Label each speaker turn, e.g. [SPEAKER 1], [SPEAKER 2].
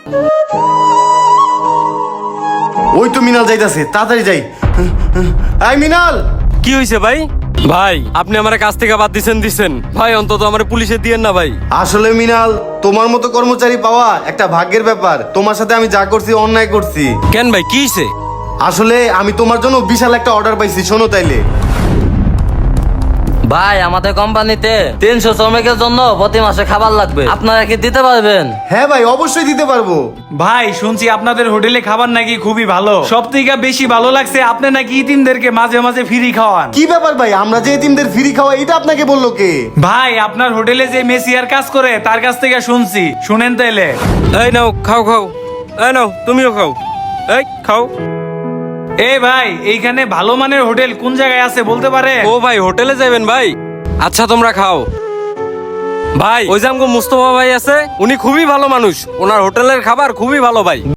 [SPEAKER 1] ওই তো মিনাল যাইতাছে, তাড়াতাড়ি যাই। আই মিনাল!
[SPEAKER 2] কি হয়েছে ভাই? ভাই আপনি আমার কাছ থেকে বাদ দিছেন ভাই, অন্তত আমার পুলিশে দিয়েন না ভাই।
[SPEAKER 1] আসলে মিনাল, তোমার মতো কর্মচারী পাওয়া একটা ভাগ্যের ব্যাপার। তোমার সাথে আমি যা করছি অন্যায় করছি।
[SPEAKER 2] কেন ভাই, কি হয়েছে?
[SPEAKER 1] আসলে আমি তোমার জন্য বিশাল একটা অর্ডার পাইছি, শোনো তাইলে।
[SPEAKER 3] ভাই আমাদের কোম্পানিতে 300 শ্রমিকের জন্য প্রতি মাসে খাবার লাগবে, আপনারা কি দিতে পারবেন?
[SPEAKER 1] হ্যাঁ ভাই, অবশ্যই দিতে পারবো।
[SPEAKER 4] ভাই শুনছি আপনাদের হোটেলে খাবার নাকি খুবই ভালো, সব থেকে বেশি ভালো লাগছে আপনি নাকি ইতিমদেরকে মাঝে মাঝে ফ্রি খাওয়ান।
[SPEAKER 1] কি ব্যাপার ভাই, আমরা যে এতিমদের ফ্রি খাওয়া, এটা আপনাকে বললো কে?
[SPEAKER 4] ভাই আপনার হোটেলে যে মেসিয়ার কাজ করে তার কাছ থেকে শুনছি, শুনেন তাইলে।
[SPEAKER 2] এই নাও খাও খাও, এই নাও তুমিও খাও, এই খাও।
[SPEAKER 4] এ ভাই, এইখানে ভালো মানের হোটেল কোন জায়গায় আছে বলতে পারে?
[SPEAKER 2] ও ভাই, হোটেলে যাবেন ভাই? আচ্ছা তোমরা খাও। ভাই ওই যে আমগো মুস্তফা ভাই আছে, উনি খুবই ভালো মানুষ, ওনার হোটেলের খাবার খুবই ভালো ভাই।